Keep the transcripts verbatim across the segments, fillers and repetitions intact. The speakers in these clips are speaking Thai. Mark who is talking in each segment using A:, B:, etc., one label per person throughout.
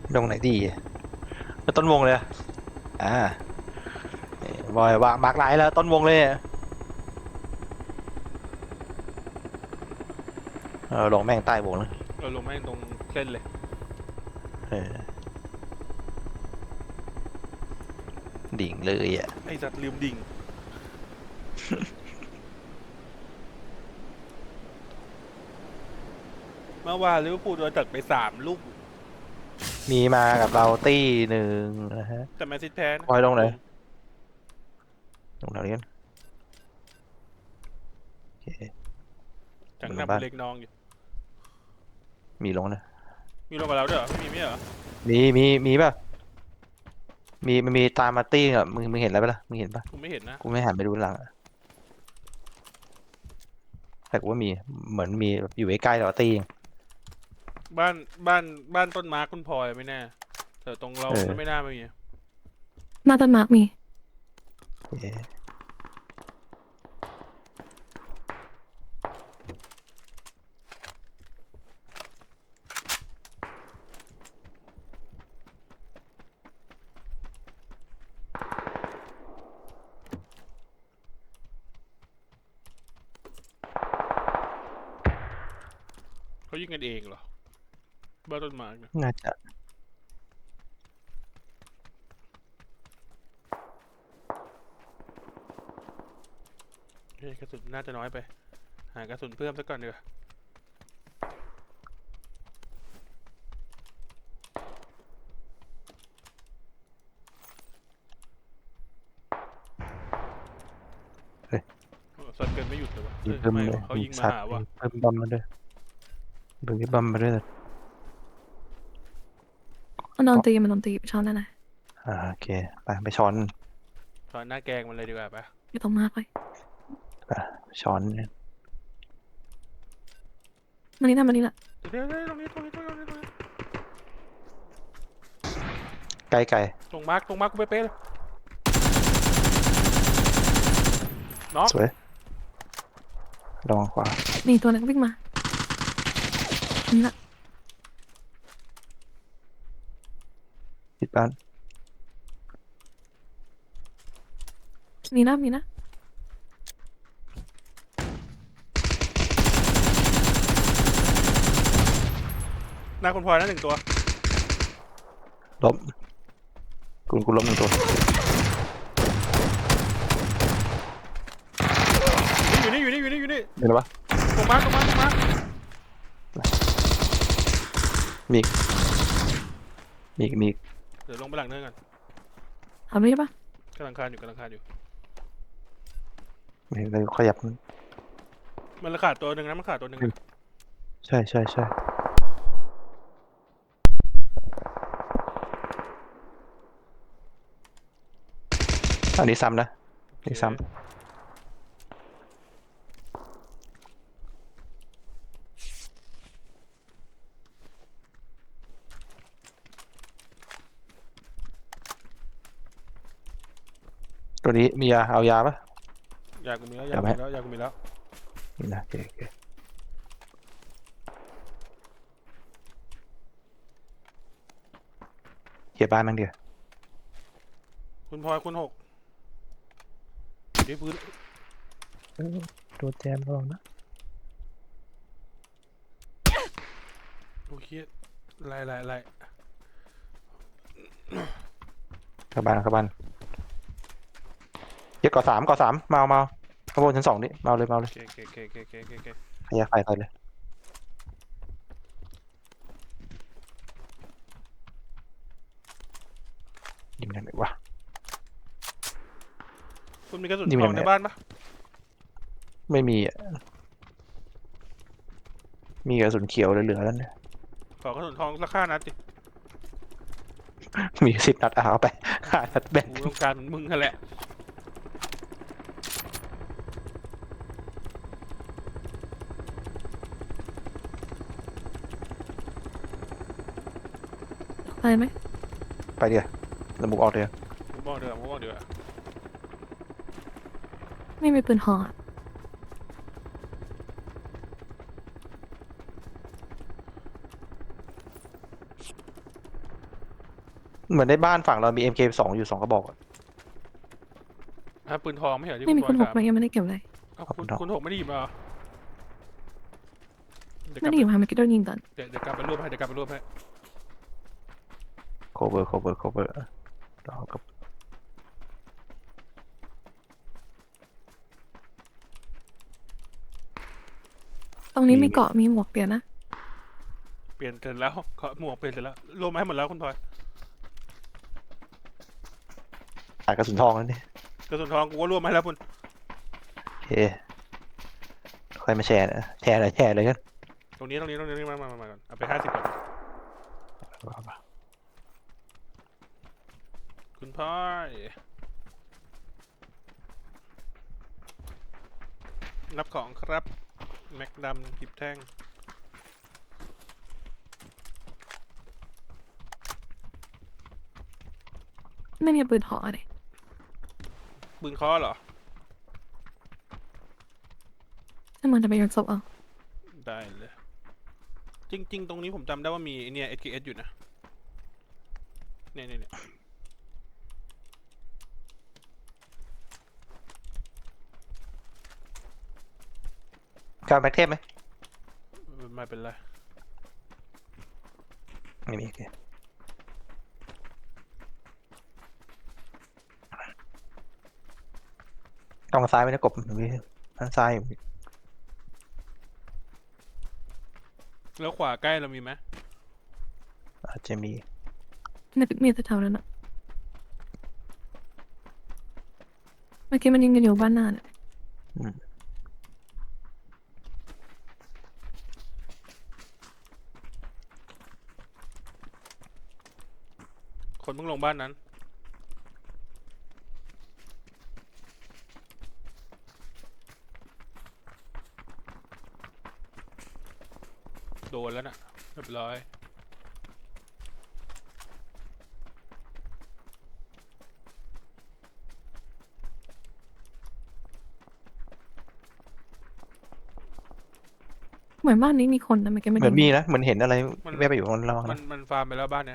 A: ตรงไหนดีก็ต้นวงเลยอะอ่านี่บอยวางมาร์กไลน์แล้วต้นวงเลยอะเออลงแม่งใต้วงเลย
B: เราลงแม่งตรงเส้นเลย
A: เออดิ่งเลยอ่ะ
B: ไอ้สัตว์ลืมดิ่งเมื่อวานลิเวอร์พูลโดนตัดไปสามลูก
A: มีมากับเราตี้หนึ่งนะฮะ
B: แต่แมนซิตี้แพ้นะ
A: บอยลงไหน
B: ลง
A: ลงแถวนี้กันโอเค
B: จาก
A: ลงบ้าน
B: หน้าบุเล็กน้องอยู่
A: มีลงนะ
B: มีลงกับเราด้วยเหรอไม่มีไม่เหรอ
A: มีมีมีป่ะมีมันมีตามมาตี้อ่ะมึงมึงเห็นอะไรปะล่ะมึงเห็นปะ
B: กูไม่เห็นนะ
A: กูไม่หันไปดูหลังอะแต่กูว่ามีเหมือนมีแบบอยู่ใกล้ๆแต่ว่าตี้เอง
B: บ้านบ้านบ้านต้นไม้คุณพลอยไม่แน่แต่ตรงเรา
A: เออ
B: ไม่น่าไม่มี
C: มาต้นมาร์กมี
A: โอเค
B: เขายิงกันเองเหรอบ้านต้นไม้เนี่ย
A: น่าจะ
B: เฮ้ยกระสุนน่าจะน้อยไปหากระสุนเพิ่มสักก่อนดีกว่าสัตว์เกินไม่หยุดเลยวะเอ้ย
A: มีเพิ่ม
B: ไม่
A: เลยมี
B: วะเขายิงมา
A: สัตว์
B: หาว่ะ
A: มีเพิ่มบอมมาด้วยเพิ่มบอมมาด้วย
C: มันโดนตีมันโดนตีไปช้อนได้ไหน
A: อ่าโอเคไปไปช้อน
B: ตอนหน้าแกงมันเลยดีกว่าปะ
C: อยู่ตรงมาร์กเลย
A: ไปช้อน
C: มันนี่ทำมันนี่แหละ
B: เดี๋ยวเดี๋ยวตรงนี้ตรงนี้ตรงนี้ตรงนี้
A: ไกลไกล
B: ตรงมาร์กตรงมาร์กกูเป๊ะๆเลยน็อก
A: สวยระวังขวา
C: มีตัวนึงวิ่งมานี่แหละ
A: ปิดบ้าน
C: มีนะมีนะ
B: หน้าคุณพลอยนั่นหนึ่งตัว
A: ล้มกูกูล้มหนึ่งตัว
B: อยู่นี่อยู่นี่อยู่นี่อยู่นี่
A: เห็นปะ
B: ตรงมาร์กตรงมาร์กตรงมาร์ก
A: มีอีกมีอีกมีอีก
B: เดี๋ยวลงไปหลังเนินก่อน
C: ทำได้ปะ
B: กำลังคานอยู่กำลังคานอยู่
A: ไม่เลยขยับมัน
B: มันขาดตัวหนึ่งนะมันขาดตัวหนึ่งนะ
A: ใช่ใช่ใช่อันนี้ซ้ำนะนี่ซ้ำตัวนี้มียาเอายาปะ
B: ยากูมีแล้วยากูมีแล้วยากูมีแล้ว
A: นี่นะโอเคโอเคเกียร์บ้านนั่งเดียว
B: คุณพลอยคุณหกอยู่ที่พื้น
A: ตัวแจมระวังนะ
B: โอเคไล่ไล่ไล่
A: เข้าบ้านเข้าบ้านเกียร์ก่อสามก่อสามเมาเมาข้างบนชั้นสองนี่เมาเลยเมาเลย
B: โอเคโอเคโอเคโอเคโอเคโอเค
A: ขยะไฟไปเลยยิงได้ไหมวะ
B: คุณมีกระสุน
A: นี่
B: ท
A: มัน
B: อง
A: ยังไง
B: ในบ้านปะ
A: ไม่มีอ่ะมีกระสุนเขียวเหลือๆแล้วเนี่ย
B: ขอกระสุนทองสักห้านัดดิ
A: มีสิบนัดเอาไปห้านัดแบ่ง
B: กูต้องการเหมือนมึงนั่นแหละ
C: ไปไหม
A: ไปเดี๋ยวแล้วมุกออกเดี๋ยว
B: ผมบอกเดี๋ยวผมบอกเดี๋ยว
C: ไม่มีปืนห่อ
A: เหมือนในบ้านฝั่งเรามี เอ็ม เค สองอยู่สองกระบอกอะ
B: อ่ะปืนทองไม่เหรอที่
C: ไม่มี
B: คุ
C: คุณ ณ
B: บ
C: ห
B: อย
C: ก
B: ถาม
C: ไหมยังไม่ได้เก็บเลย
B: เอ้า
A: ขอบ
B: คุ
A: คุณ
B: ณ
A: ครับ
B: คุณหกไม่ได้หยิบมาเหรอเดี๋ยวก
C: ไม่
B: ลับ
C: ได้อยู่ค่ะเมื่อกี้โดนยิงก่อน
B: เดี๋ยวเดี๋ยวกลับไปรวบให้เดี๋ยวกลับไปรวบให้
A: cover cover cover เรากับ
C: ตรงนี้
A: มี
C: มีเกาะมีหมวกเปลี่ยนนะ
B: เปลี่ยนเสร็จแล้วขอหมวกเปลี่ยนเสร็จแล้วรวมมาให้หมดแล้วคุณพลอย
A: ขายกระสุนทองแล้วนี่
B: กระสุนทองกูก็รวมมาให้แล้วคุณ
A: โอเคค่อยมาแชร์นะแชร์อะไรแชร์เลยกัน
B: ตรงนี้ตรงนี้ตรงนี้มามามามาก่อนเอาไปห้าสิบก่อนคุณพลอยรับของครับแม็กดำกิบแท่ง
C: ไม่มีปืนหอเลย
B: ปืนเคอเหรอ
C: ถ้ามันจะไปโยนศพเอา
B: ได้เลย จริง ๆ ตรงนี้ผมจำได้ว่ามีไอ้เนี่ย เอส เค เอส อยู่นะเนี่ยเนี่ยเนี่ย
A: การแบ็คเทปไหม
B: ไม่เป็นไร
A: ไม่มีโอเคต้องซ้ายไหมนะกบมีทางซ้ายอยู่
B: แล้วขวาใกล้เรามีไหม
A: อาจจะมี
C: ในมีแต่แถวนั้นอะเมื่อกี้มันยิงกันอยู่บ้านหน้าเนี่ย
A: อืม
B: คนเพิ่งลงบ้านนั้น โดนแล้วนะเรียบร้อย
C: เหมือนบ้านนี้มีคนนะเมื่อกี้มัน
A: เหมือน
C: ยิง
A: มีนะเหมือนเห็นอะไร
B: มัน
A: แวบไปอยู่ข้างล่าง
B: มัน
A: นะ
B: มันฟาร์มไปแล้วบ้านเนี่ย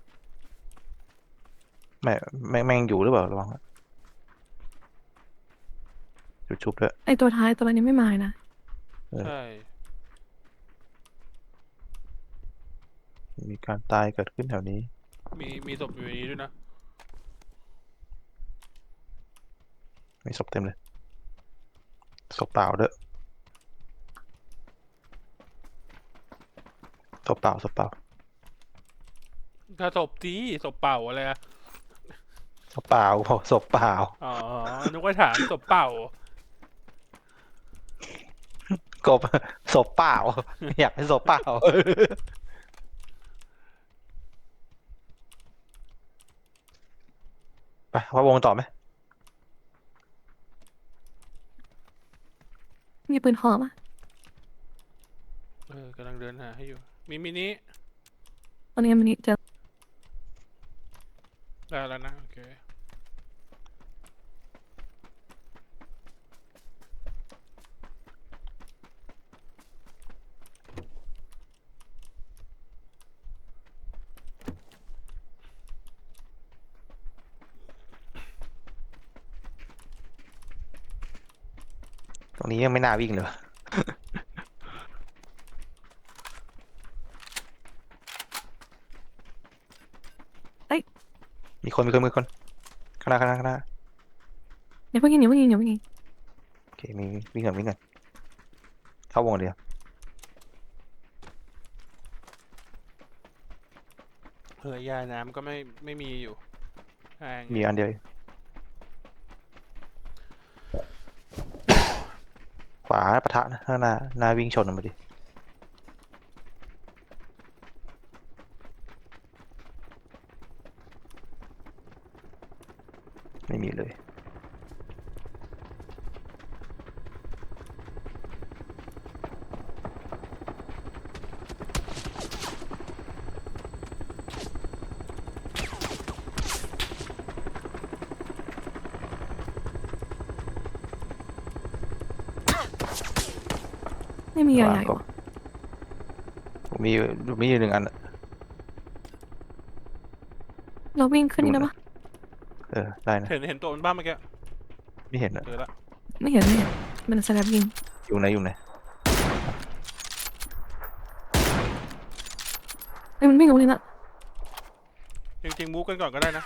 A: ไม่แม่งแม่งอยู่หรือเปล่าระวังนะจุดชุบด้วย
C: ไอตัวท้ายตัวนี้ไม่มาเลยนะ
A: เออ
B: ใช่
A: มีการตายเกิดขึ้นแถวนี้
B: มีมีศพอยู่ในนี้ด้วยนะ
A: มีศพเต็มเลยศพเปล่าด้วยศพเปล่าศพเปล่า
B: ถ้าศพทีศพเปล่าอะไรอะ
A: ศพเปล่าบอกศพเปล่า
B: อ๋อนึกว่าถามศพเปล่า
A: กบศพเปล่า อยากเป็นศพเปล่า ไปว่าวงต่อไหม
C: มีปืนหอมะ
B: เออกำลังเดินหาให้อยู่ มีมินิ
C: ตอนนี้มันนี่เจอ
B: ได้แล้วนะ โอเค
A: ตรงนี้ยังไม่น่าวิ่งเลย มีคนมีคนมีคนข้างหน้าข้างหน้าข้างหน้า
C: เดี๋ยวเพิ่งยิงเดี๋ยวเพิ่งยิงเดี๋ยวเพิ่งยิง
A: โอเคมีวิ่งก่อนวิ่งก่อนเข้าวงเดียว
B: เฮ้ยยาน้ำก็ไม่ไม่มีอยู่แพง
A: มีอันเดียวขวาปะทะนะข้างหน้าหน้าวิ่งชนออกมาดิไม่มีเลย
C: ไม่มียาใหญ่
A: กบ
C: วะ
A: ผมมีอยู่มีอยู่หนึ่งอันอะ
C: มเราวิ่งขึ้นนี่ได้ปะ
A: เออได้นะ
B: เห็นเห็นตัวมันบ้างเมื่อกี้
A: ไม่เห็นอะ
B: เจอละ
C: ไม่เห็นไม่เห็นมันสแลบยิง
A: อยู่ไหนอยู่ไหน
C: เฮ้ยมันวิ่งลงเลยน่ะ
B: จริงๆมูฟกันก่อนก็ได้นะ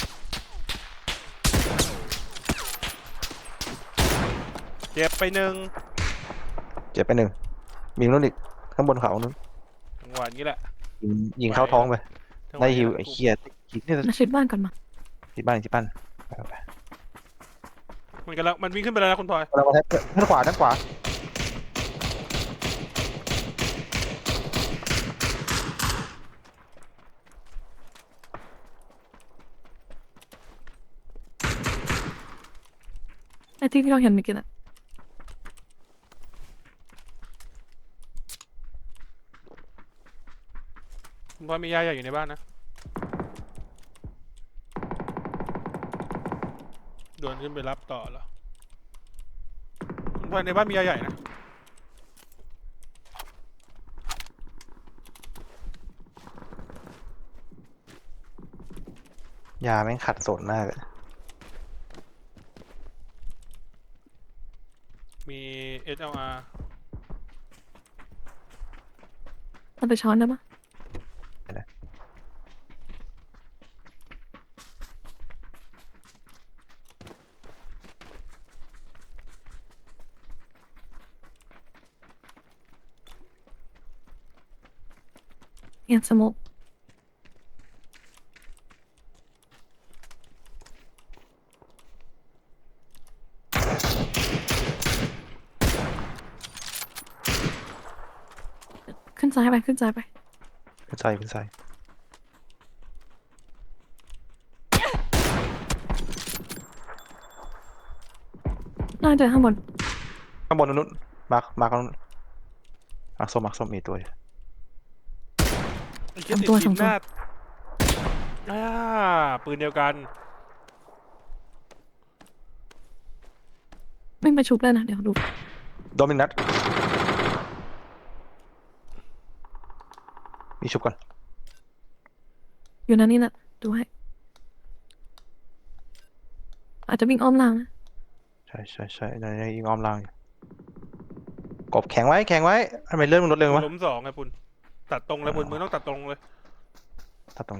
B: เจ็บไปหนึ่ง
A: เจ็บไปหนึ่งมีนู้นอีกข้างบนเขานู้น
B: จังหวะนี้แหละ
A: ยิงยิงเข้าท้องไป
B: จังหวะ
A: ได้
B: นี้
A: ฮิว
B: แหละ
A: ไอ้เคียคิดนี่
C: มาชิดบ้านก่อนมา
A: ที่บ้านที่บ้านไปไป
B: มันกันแล้วมันวิ่งขึ้นไปแล้วนะคุณพลอย
A: เรามาแทบด้านขวาด้านขวา
C: ไอ้ที่ที่เราเห็นเมื่อกี้น่ะ
B: คุณพลอยมียาใหญ่อยู่ในบ้านนะเดินขึ้นไปรับต่อเหรอคุณพลอยในบ้านมียาใหญ่นะ
A: ยาแม่งขัดสนมากเลย
B: มี เอส แอล อาร์
C: เราไปช้อนได้ปะเห็นสโมกขึ้นซ้ายไปขึ้นซ้ายไป
A: เป็นใส่เป็นใส่
C: น่าจะข้างบน
A: ข้างบนนู้นมาร์คมาร์คนู้นมาร์คส้มมาร์คส้มมีตัวอยู่
B: ไอ้เหี้ยติดทีมหน้าอ่าปืนเดียวกัน
C: วิ่งไปชุบเลยนะเดี๋ยวดู
A: โดนมินัทมีชุบก่อน
C: อยู่นั่นนี่น่ะดูให้อาจจะวิ่งอ้อมล่างนะ
A: ใช่ใช่ใช่ในในยิงอ้อมล่างอยู่กบแข็งไว้แข็งไว้ทำไมเลื่อนมันลดเร็ววะ
B: ล้มสองไงปุณตัดตรงเลยปุณมึงต้องตัดตรงเลย
A: ตัดตรง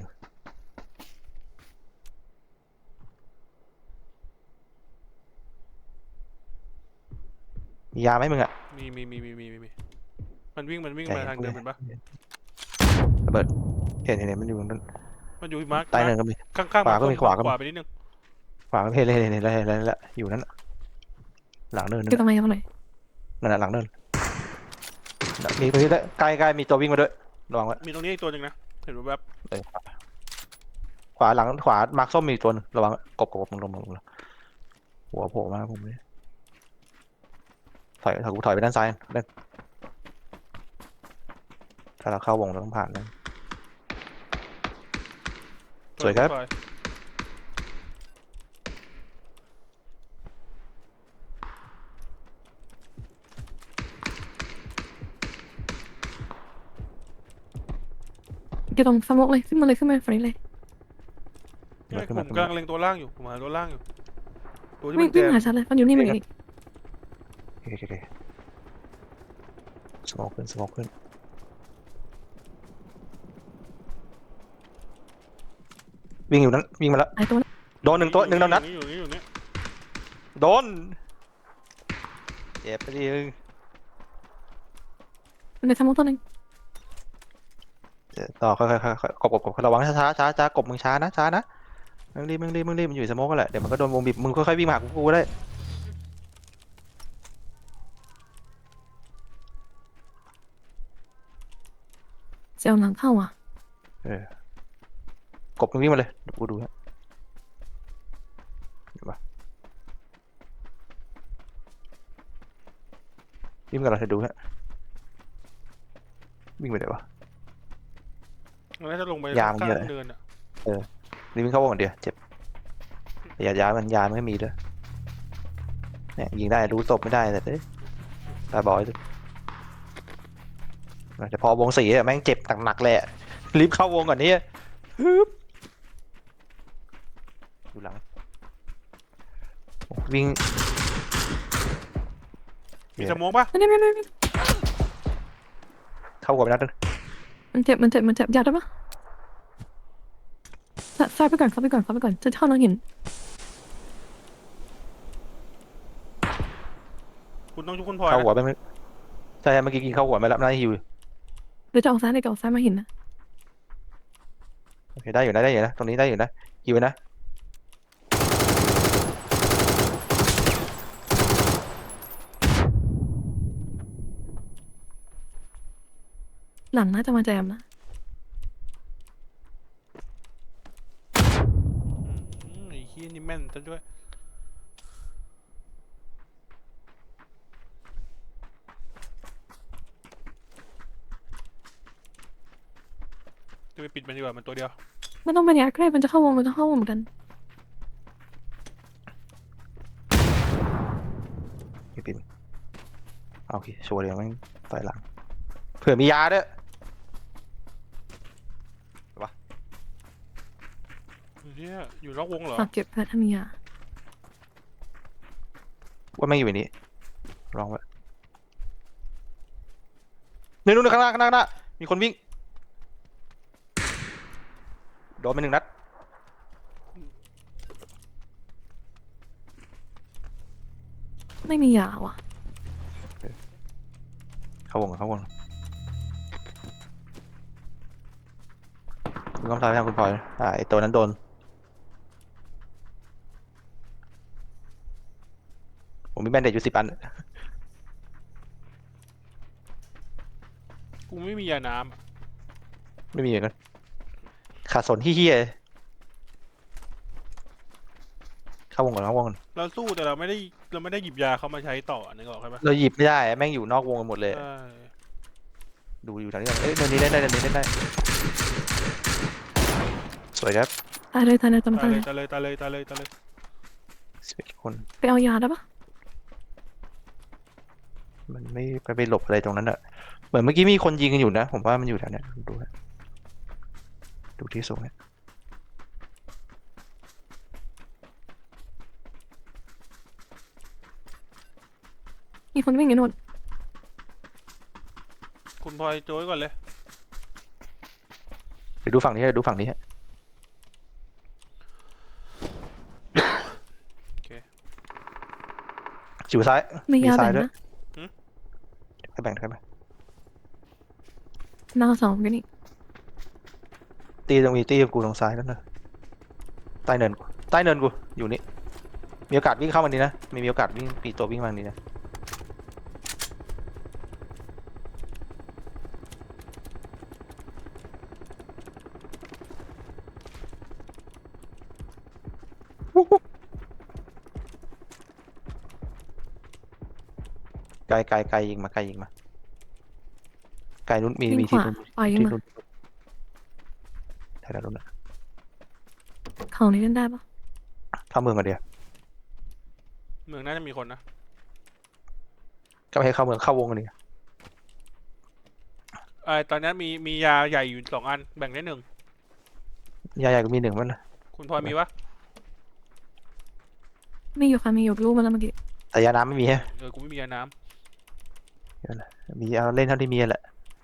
A: มียาไหมมึงอะ
B: มีมีมีมีมีมีมีมันวิ่งมันวิ่งมาทางเดิมเป็นปะ
A: ระเบิดเห็นเห็นเห็นมันอยู่ตรงนั้น
B: มันอยู่มาร์ค
A: ใต้เนินก็มี
B: ข้างๆ
A: ขวาก็มีขวาก็มี
B: ขวาไปนิดนึง
A: ขวาก็เห็นเลยเห็นเห็นเห็นเห็นเห็นเห็นแล้วอยู่นั่นน่ะหลังเนินนั่
C: คือน ทำ
A: น่ะ
C: ไมเอาหน่อย
A: นั่นน่ะหลังเนินมีตัวที่ใกล้ใกล้มีตัววิ่งมาด้วยระวังไว้
B: มีตรงนี้อีกตัวหนึ่งนะเห็นแวบ
A: เออขวาหลังขวามาร์คส้มมีตัวหนึงระวังกบกบมึงลงมึงลงหัวโผล่มาผมเลยถอยถอยกูถอยไปด้านซ้ายเล่นถ้าเราเข้าวงเราต้องผ่านนั่น
B: ๆ
A: สวยครับ
B: ปล่อ
C: เกี่ยวตรงสโมกเลยขึ้นมาเลยขึ้นมาฝั่งนี้เลย
B: เนี่ยผมกำลังเล็งตัวล่างอยู่ผมหาตัวล่างอยู่ตัวที่
C: วิ่
B: มั
C: ง
B: นแจ
C: วิ่ง
B: ม
C: หาฉันเลยมันอยู่นี่มันอยู่นี่
A: โอเคโอเคโอเคสโมองขึ้นสโมองขึ้นวิ่งอยู่นั้นวิ่งมาแล้ว
C: ไอ้ตัวนั้น
A: โดนหนึ่งตัวหนึ่งโดนนัด
B: อยู่นี่อยู่นี่
A: โดนเจ็บไปดิมึง
C: มันในสโมกตัวหนึง
A: เดี๋ยวต่อค่อยๆค่อยๆค่อยๆกบกบกบระวังช้าช้าช้าช้ากบมึงช้านะช้านะมึงรีบมึงรีบมึงรีบมันอยู่ในสโมกกันแหละเดี๋ยวมันก็โดนวงบีบมึงค่อยๆวิ่งมาหากูกูได้
C: เซลล์หลังเข้าอ่ะ
A: เออกบมึงวิ่งมาเลยเดี๋ยวกูดูฮะเห็นปะวิ่งกันเราจะดูฮะวิ่งไปไหนวะ
B: มันน่าจะลงไป
A: ยาม
B: ข้าง
A: เยอะ
B: เนินอ่ะ
A: รีบวิ่งเข้าวงก่อนเดียวเจ็บอย่าย้ายมันยามันไม่มีด้วยเนี่ยยิงได้รู้ศพไม่ได้แต่เอ้ยตาบอยแต่พอวงสี่อะแม่งเจ็บหนักๆเลยอะรีบเข้าวงก่อนนี่ฮึบอยู่หลังโอ้วิ่ง
B: มีสโมองปะ
C: ไม่ได้ไม่ไม่ไม่
A: เข้าหัวไปนัดนึง
C: มันเจ็บมันเจ็บมันเจ็บยาได้ปะซซายไปก่อนเข้าไปก่อนเข้าไปก่อนจะเข้าน้องหิน
B: คุณต้องชุบคุณพลอย
A: เข้า
B: นะ
A: หัวไปไหมใช่เมื่อกี้กินเข้าหัวไปแล้วน่าจะหิว
C: หรือจะออกซ้ายหรือจะออกซ้ายมาหินนะ
A: โอเคได้อยู่นะได้อยู่นะตรงนี้ได้อยู่นะหิวนะ
C: หลังน่าจะมาแจมนะ
B: อืมไอ้เฮียนี่แม่นซะด้วยจะไปปิดมันดีกว่ามันตัวเดียว
C: ไม่ต้องไปเนี่ยใกล้มันจะเข้าวงมันจะเข้าวงเหมือนกัน
A: พี่ปิ่นโอเคชัวร์เลยไม่ต่อยหลังเผื่อมียาด้วย
B: เฮียอยู่นอกวงเหรอ
C: ฝากเก็บแพทย์ถ้ามียา
A: ว่าไม่อยู่ในนี้ลองไว้นู่นนู่นข้างหน้าข้างหน้าข้างหน้ามีคนวิ่งโดนไปหนึ่งนัด
C: ไม่มียาว่ะ
A: เข้าวงเข้าวงคุณต้องทำให้คุณพลอยอ่าไอตัวนั้นโดนผมมีแบนเดจอยู่สิบอัน
B: กูไม่มียาน้ำอะ
A: ไม่มีเหมือนกันขาดสนที่เฮียเข้าวงก่อนเข้าวงก่อน
B: เราสู้แต่เราไม่ได้เราไม่ได้หยิบยาเขามาใช้ต่อนึกออกใช่ปะ
A: เราหยิบไม่ได้แม่งอยู่นอกวงกันหมดเลย
B: ใช่
A: ดูอยู่ทางนี้ก่อนเอ้ยเดินนี้ได้ได้เดินนี้ได้ได้สวยครับ
C: ตายเลยตายเลยตาย
B: ตาย
C: เล
B: เลย ยตายเลยตายเลยตายเลยตายเลย
A: สิบเอ็ดคน
C: ไปเอายาได้ปะ
A: มันไม่ไปไปหลบอะไรตรงนั้นอะเหมือนเมื่อกี้มีคนยิงกันอยู่นะผมว่ามันอยู่แถวเนี้ยดูฮะดูที่สูงเนี่ย
C: มีคนวิ่งอยู่โน่น
B: คุณพลอยโจ้ยก่อนเลย
A: เดี๋ยวดูฝั่งนี้ฮะดูฝั่งนี้ฮะ
B: โอเค
A: จิ๋วซ้าย
C: มียา
A: ซ้า
C: แบ่
A: ย
C: ง
A: ด้วย
C: นะ
A: ให้แบ่งให้แบ่ง
C: หน้าสองกันนี่
A: ตีตรงมีตีกับกูตรงซ้ายนั่นนะใต้เนินกูใต้เนินกูอยู่นี่มีโอกาสวิ่งเข้ามานี้นะมีมีโอกาสวิ่งปีตัววิ่งมานี้นะไกลไกลไกลยิงมาไกลยิงมาไกลนู้นมี
C: วิ่ง
A: มี
C: ข
A: ที่
C: วา
A: นู้น
C: ปล่อย
A: ที่
C: มา
A: นู้นแถวนู้นนะ
C: เขานี้เล่นได้ปะ
A: เข้าเมืองกันเดียว
B: เมืองน่าจะมีคนนะ
A: ก็ไม่ให้เข้าเมืองเข้าวงกันดี
B: ไอตอนนี้มีมียาใหญ่อยู่สองอันแบ่งได้หนึ่ง
A: ยาใหญ่ก็มีหนึ่งมันนะ
B: คุณพลอยมีปะ
C: มีอยู่ค่ะมีอยู่รู้มาแล้วเมื่อกี้
A: แต่ยาน้ำไม่มีฮะ
B: เออกูไม่มียาน้
A: มีเอาเล่นเท่าที่มีแหละ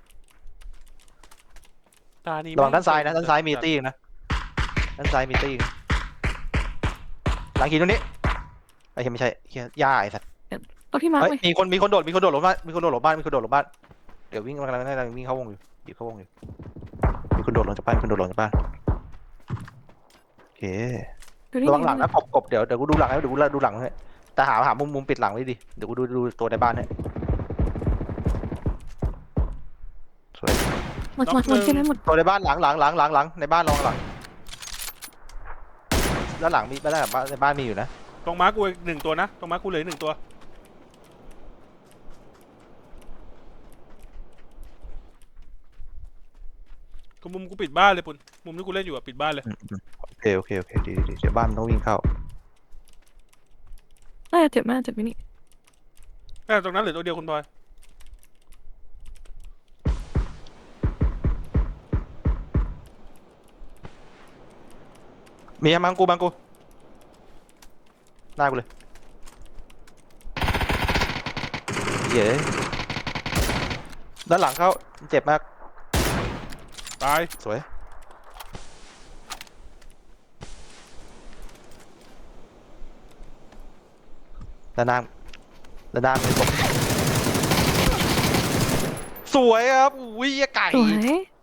B: ำตานี้
A: ระวังด้านซ้ายนะ
B: แม่
A: ด้านซ้ายมีตี้อีกนะด้านซ้ายมีตี้อีกนะหลังหินตรงนี้ไอ้เหี้ยไม่ใช่เหี้ยย่าไอ้สัตว์
C: เอาที่มาร์ค
A: เฮ้ย
C: ไว้
A: มีคนมีคนโดดมีคนโดดหลบบ้านมีคนโดดหลบบ้านมีคนโดดหลบบ้านเดี๋ยววิ่งกำลังกำลังวิ่งเข้าวงอยู่หยิบเข้าวงอยู่มีคนโดดลงจากบ้านมีคนโดดลงจากบ้านโอเค
C: ดูดิ
A: ระวังหลังนะกบกบเดี๋ยวเดี๋ยวกูดูหลังให้เดี๋ยวกูดูหลังให้แต่หาหามุมมุมปิดหลังไว้ดิเดี๋ยวกูดูดูตัวในบ้านให้สวย
C: หมดหมดหมดใช่ไหมหมด
A: ตัวในบ้านหลังหลังหลังหลังหลังในบ้านลองหลังแล้วหลังมีบ้านบ้านในบ้านมีอยู่นะ
B: ตรงม้ากูอีกหนึ่งตัวนะตรงม้ากูเหลืออกหนึ่งตัวกูมุมกูปิดบ้านเลยปุ่นมุมที่กูเล่นอยู่อะปิดบ้านเลย
A: อืมอืมโอเคโอเคโอเคดีดีดีเดี๋ยวบ้านมันต้องวิ่งเข้า
C: น่าจะเจ็บมากเจ็บไหมนี่
B: แค่ตรงนั้นเหลือตัวเดียวคุณพลอย
A: มีอะมังกูมังกูหน้ากูเลยเย้ด้านหลังเขาเจ็บมาก
B: ตาย
A: สวยด้านหน้าด้านหน้ามีศพสวยครับอุ้ยไก่
C: สวย